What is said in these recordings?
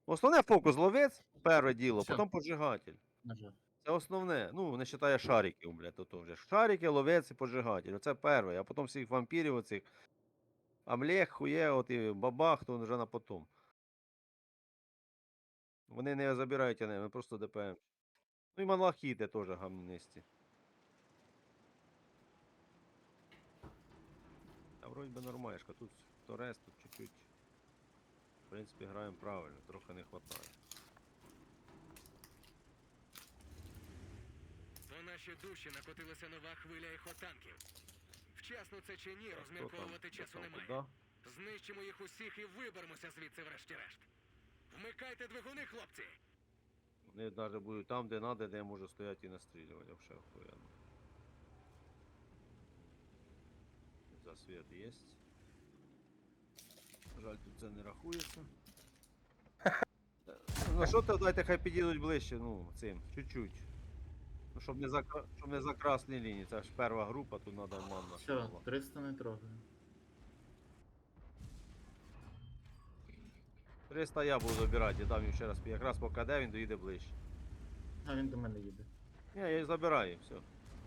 Основне фокус ловець, перше діло, Всё. потім поджигатель. Нажав. Це основне. Ну, не вважає шариків, блядь, то вже. Шарики, ловець і поджигатель. Оце перше. А потім всіх вампірів оцих. Амлех, хує, от і бабах, то вже на потом. Вони не забирають вони просто ДПМ. Ну і малахіти теж гамнисті. А вроді би нормальшка. Тут Торес, тут чуть-чуть. В принципі, граємо правильно, трохи не вистачає. У наші душі накотилася нова хвиля ехотанків. Вчасно це чи ні, розмірковувати часу немає. Да? Знищимо їх усіх і виберемося звідси врешті-решт. Вмикайте двигуни, хлопці! Вони навіть будуть там, де треба, де я можу стояти і настрілювати, вообще охуєнно. Засвіт є. Жаль, тут це не рахується. Ну що то давайте хай підійдуть ближче, ну, цим, чуть-чуть. Ну, щоб не за красні лінії, це ж перша група, тут треба манна. Все, 300 не трогаю. 300 я буду забирати, я дам їм ще раз, якраз поки де він доїде ближче. А він до мене їде. Ні, я їх забираю, все.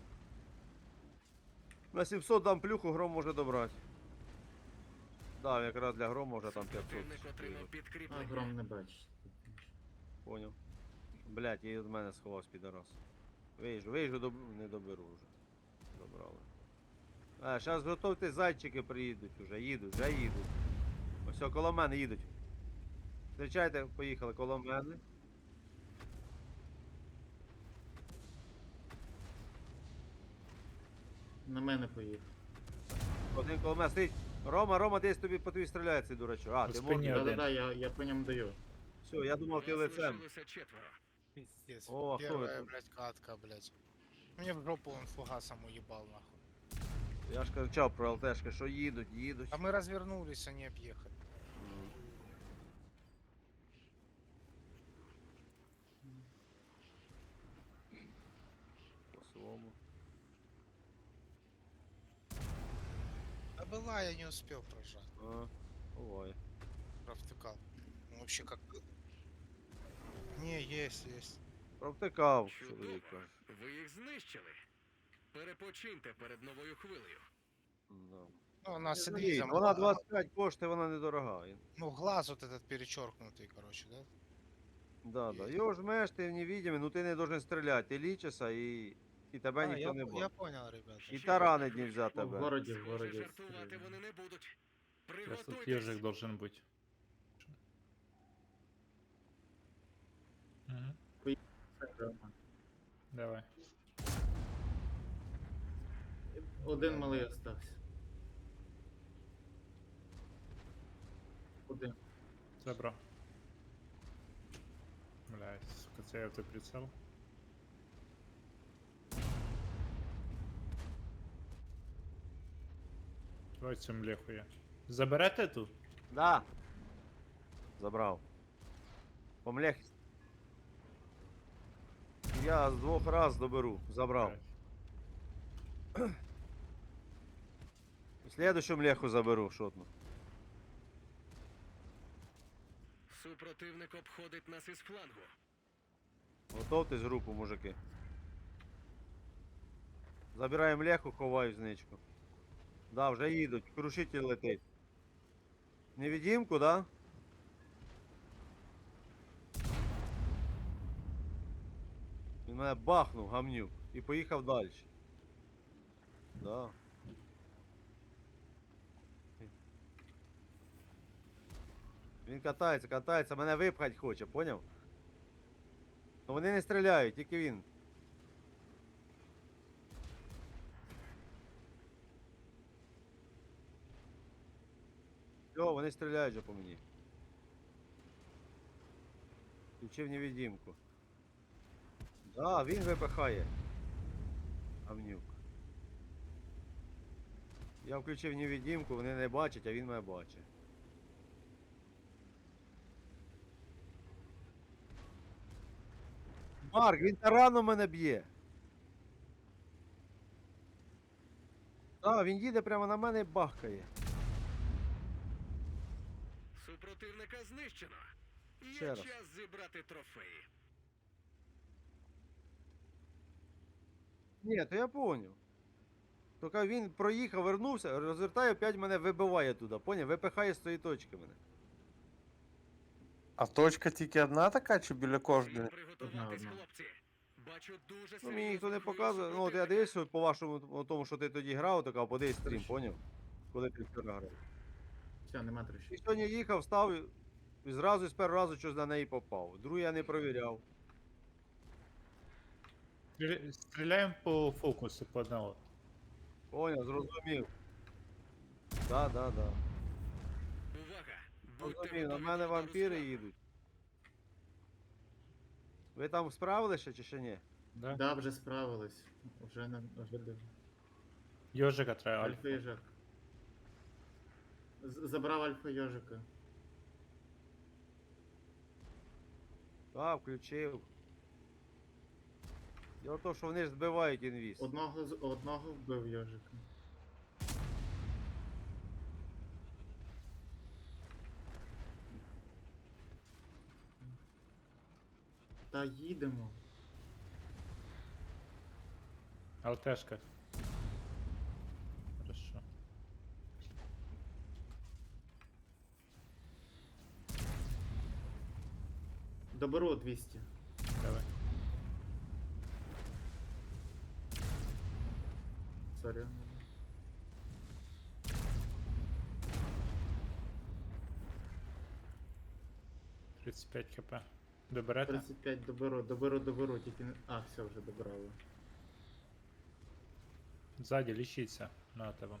На 700 дам плюху, гром може добрати. Да, якраз для грома вже там 500. Противник отримав А підкріплення. гром не бачить. Поняв. Блять, я від мене сховав підарас. Виїжджу, не доберу вже. Добрали. А, зараз готуйтесь, зайчики приїдуть вже їдуть. Ось коло мене їдуть. Зустрічайте, поїхали коло мене. На мене поїхав. Один коло мене стоїть. Рома, десь тобі по тобі стріляє цей дурачок. А, У ти спині можеш. один. Да-да-да, я по ньому даю. Все, я думав, ти Вас лицем. лишилося четверо. Пиздец. О, а кто Первая, это? блядь, катка, блядь. Мне в жопу он фугасом уебал, нахуй. Я ж кричав про ЛТшки, що їдуть. А мы развернулись, они объехали. По своєму. Да была, я не успел прожать. А, буває. Провтыкал. Ну, вообще как... Не, есть. Провтикав, Чудово. чоловіка. Ви їх знищили. Перепочиньте перед новою хвилею. Да. Ну, у нас Ні, Элиза, вона 25 коштує, вона недорога. Ну, глаз вот этот перечеркнутый, короче, да? Да. Його жмеш, ти невидимий, ну ти не должен стріляти. Ти лічишся і тебе ніхто я, не я бачить. понял, ребята. І таранить нельзя В тебе. городі, в Схоже, городі. жартувати стріляю. вони не будуть. Сейчас тут Приготуйтесь. ежик должен быть. Мгм. Давай. Один малий остався. Один. Забрал. Блядь, сука, це автоприцел. Давай цю млеху я. Заберете тут? Да. Забрав. Помлех. Я з 2 раз доберу. Забрав. Блядь. Слідущу млеху заберу, шотну. Супротивник обходить нас із флангу. Готовтесь групу, мужики. Забираємо млеху, ховаю зничку. Да, вже їдуть, крушитель летить. Невидимку, да? Він мене бахнув, гамнюк, і поїхав далі. Да. Він катається, мене випхать хоче, поняв? Ну вони не стріляють, тільки він. Все, вони стріляють же по мені. Включив невидимку. Да, він випихає. Гамнюк. Я включив невидимку, вони не бачать, а він мене бачить. Марк, він тараном мене б'є. Так, він їде прямо на мене і бахкає. Супротивника знищено. Ще Є раз. час зібрати трофеї. Ні, то я поняв. Тільки він проїхав, вернувся, розвертає, опять мене вибиває туди, поняв? Випихає з тої точки мене. А точка тільки одна така чи біля Всім кожної? приготуватись, Одна. хлопці. Бачу дуже Ну, мені ніхто не серйозну хвилю показує. Ну, от я супротивника. дивився по вашому, по тому, що ти тоді грав, така, подивись стрім, Хорошо. поняв? Коли ти вчора грав. Все, нема І трощі. сьогодні їхав, став і зразу з першого разу щось на неї попав. Другий я не провіряв. Стріляємо по фокусу по одному. Поняв, зрозумів. Да. Увага! Будьте Зрозумів, на готові мене до вампіри розкладу. їдуть. Ви там справилися чи ще ні? Да? Да, вже справились. Вже Йожика треба. альфа Альфа. їжак. Забрав альфа йожика. Так, включив. Діло в тому, що вони ж збивають інвіз. Одного вбив йожика. Та їдемо. ЛТшка. Хорошо. Доберу 200. Давай. Сорі. 35 хп. Доберете? 35 доберу, тільки не. А, все, вже добрали. Ззаді лічіться на тебе.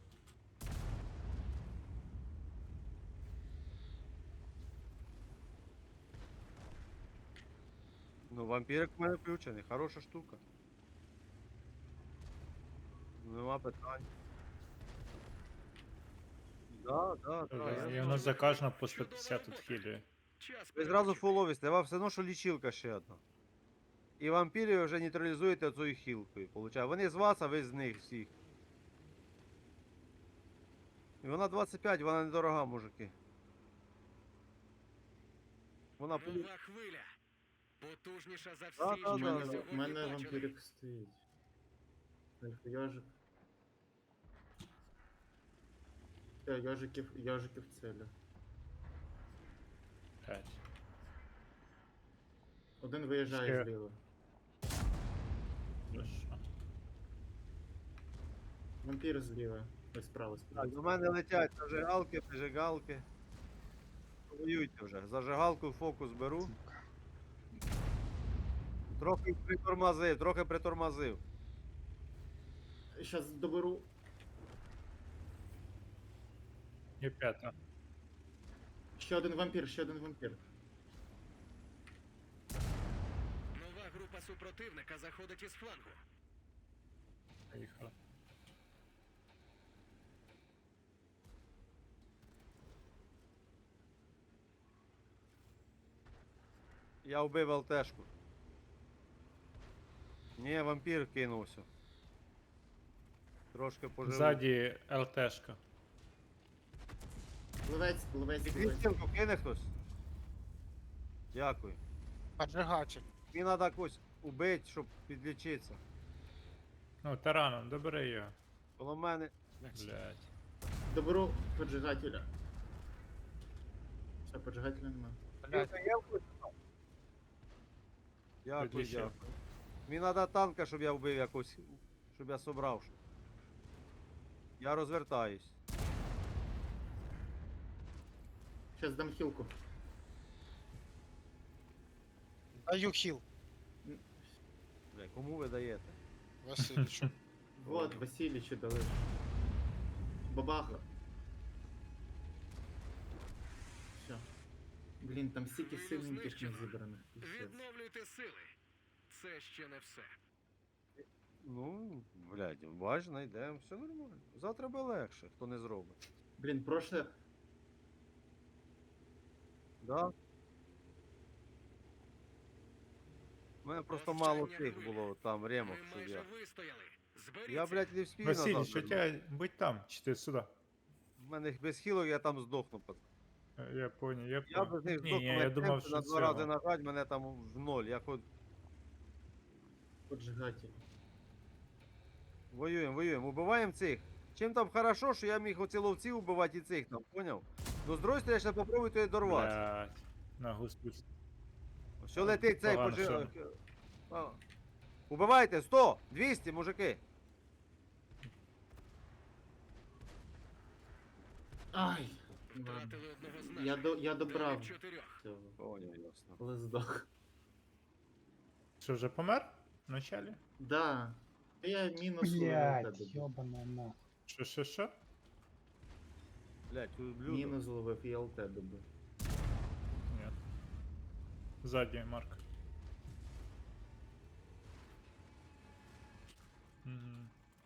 Ну, вампірик в мене включений, хороша штука. Нема питань. Да. І воно за кожного по 150 тут хілює. Час Ви зразу переключити. фуловісте, вам все одно, що лічилка ще одна. І вампірів вже нейтралізуєте цією хілкою. Получає. Вони з вас, а ви з них всіх. І вона 25, вона недорога, мужики. Вона Нова хвиля. Потужніша за всі, Да, що да, ми да. У сьогодні мене бачили. вампірик стоїть. Альфа йожик. Все, йожиків целю. 5. Один виїжджає Ще. зліва. Хорошо. Вампір зліва. Ось справа Так, справа. до мене летять зажигалки. Воюйте вже. Зажигалку в фокус беру. Трохи притормозив. Щас доберу. І 5. Ще один вампір. Нова група супротивника заходить із флангу. Поїхали. Я вбив ЛТшку. Ні, вампір кинувся. Трошки поживу. Ззаді ЛТшка. Пливець. Підвістілку кине хтось? Дякую. Поджигатель. Мені треба когось убити, щоб підлічитися. Ну, тараном, добери його. Коло мене. Блять. Доберу поджигателя. Все, поджигателя нема. Блядь, Дякую, Підлічив. дякую. Мені треба танка, щоб я вбив якось, щоб я собрав. Я розвертаюсь. Щас дам хілку. даю хіл. Бля, кому ви даєте? Васильовичу. Вот, Васильичу дали. Бабаха. Все. Блін, там стільки Хвилю сильненьких не знищено. зібраних. Пиздец. Відновлюйте сили. Це ще не все. Ну, блядь, важно, йдемо, все нормально. Завтра буде легше, хто не зробить. Блін, прошле. Да? У мене просто мало Остання тих хвиля. було там ремок, Ми щоб майже я. вистояли. Зберіться. Я, блядь, не вспію Василь, назад. що вернути. тебе будь там, чи ти сюди? У мене без хілок я там здохну. Я понял, я Я понял. без них Ні, здох, я мене думав, темпи що на 2 рази цього. нажать, мене там в ноль. Я хоч Поджигатель. воюємо, воюємо, убиваємо цих. Чим там хорошо, що я міг оці ловці убивати і цих там, поняв? Ну з другої сторони, я ще попробую туди дорватися. Блядь. На гуспусь. Все летить цей погано, пожи... що А. Убивайте, 100, 200, мужики. Ай! Ладно. Втратили одного з наших. Я добрав 9-4. цього. Поняв, ясно. Але здох. Що, вже помер? Вначалі? Да. Я мінус Блять, ловив тебе. ёбаная нахуй. Що? Блять, блюдо. Мінус ловив і ЛТ добив. Ні. Ззаді, Марк. Мгм.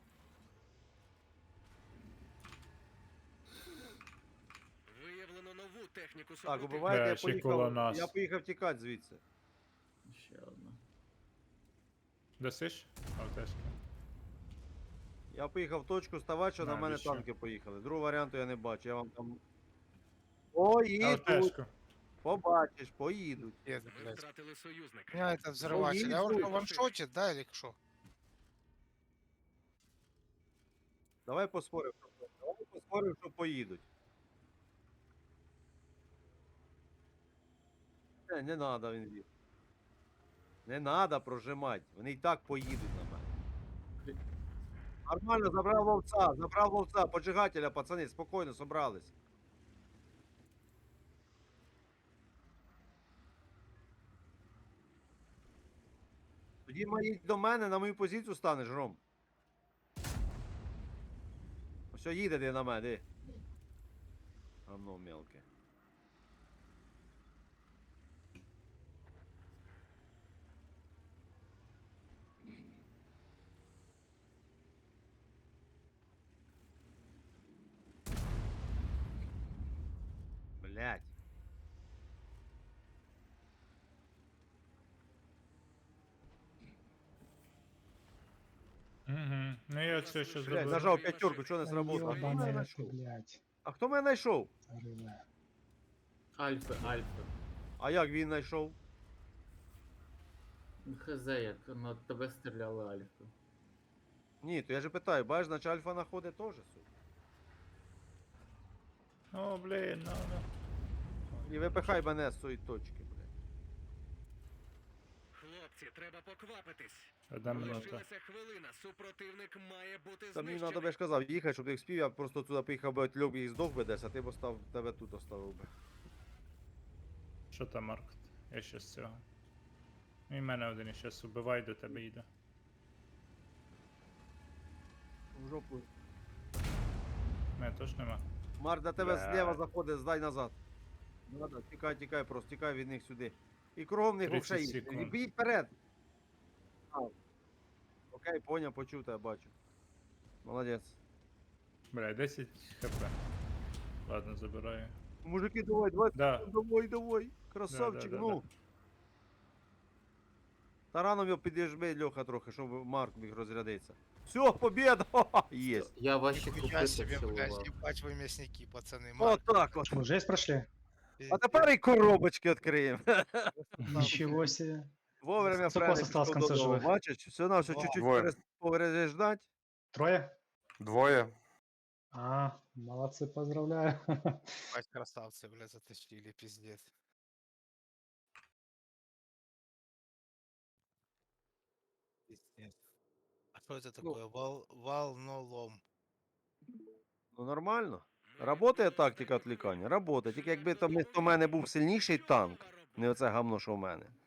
Виявлено нову техніку Так, супротивника. убивайте, я ще коло поїхав. нас. Я поїхав тікати звідси. Ще одна. Досиш? Алтешка. Я поїхав в точку ставати, що на мене Навіщо? танки поїхали. Другого варіанту я не бачу. Я вам там. Поїдуть! Алтешку. Побачиш, поїдуть. Є, Ми блядь. втратили союзника. У меня это взрыватель. А он Ой, ваншотит, да, или что? Давай поспоримо, що поїдуть. Не надо він їде. Не надо прожимати. Вони і так поїдуть на мене. Нормально, забрав ловця, поджигателя, пацани, спокійно, собрались. Тоді їдь до мене, на мою позицію станеш, Ром. Все, їде ти на мене, де. Гавно мелке. Блять. Угу. Ну я це ще Блять, зробив. нажав п'ятерку, що не Да сработало. А хто мене ёбаная ты, знайшов? блядь. А хто мене знайшов? Рыба. Альфа. А як він знайшов? Ну, хз, як на тебе стріляли Альфа. Ні, то я же питаю, бачиш, значить альфа находить теж, сука. О, блін, ну. І випихай мене з цієї точки, блядь. Хлопці, треба поквапитись. Одна минута. Лишилася хвилина. Супротивник має бути Та мені знищений. треба, я ж казав, їхати, щоб ти їх спів, я просто туди поїхав би льоб і здох би десь, а ти б остав, тебе тут оставив би. Що там, Марк? Я ще з цього. І мене один і щас убивай, до тебе йде. В жопу. Мене теж нема. Марк, до тебе Бля. зліва заходить, здай назад. Надо, тікай, просто тікай від них сюди. І кругом них 30 вовше їдь. секунд. І бій вперед. А. Окей, поняв, почув тебе, бачу. Молодець. Бля, 10 хп. Ладно, забираю. Мужики, давай, Да. давай. Красавчик, Да. ну. Тараном його підіжми, Льоха, трохи, щоб Марк міг розрядитися. Все, побіда! Єсть. Я ваші Нихуя купити себе, блядь, цілував. ебать вы мясники, пацаны. Отак от. Мы жесть прошли? А тепер і коробочки відкриємо. Ничего себе. Вовремя Сколько правильно вас осталось в пішов конце додому. живых? Бачиш, все на все чуть-чуть Двоє. переждать. Трое? Двоє. А, молодцы, поздравляю. Ебать, красавцы, блядь, затащили, пиздец. Пиздец. А что это такое? Волнолом. Ну нормально. Работає тактика відвлікання? Работає. Тільки якби там вместо мене був сильніший танк, не оце гамно, що в мене.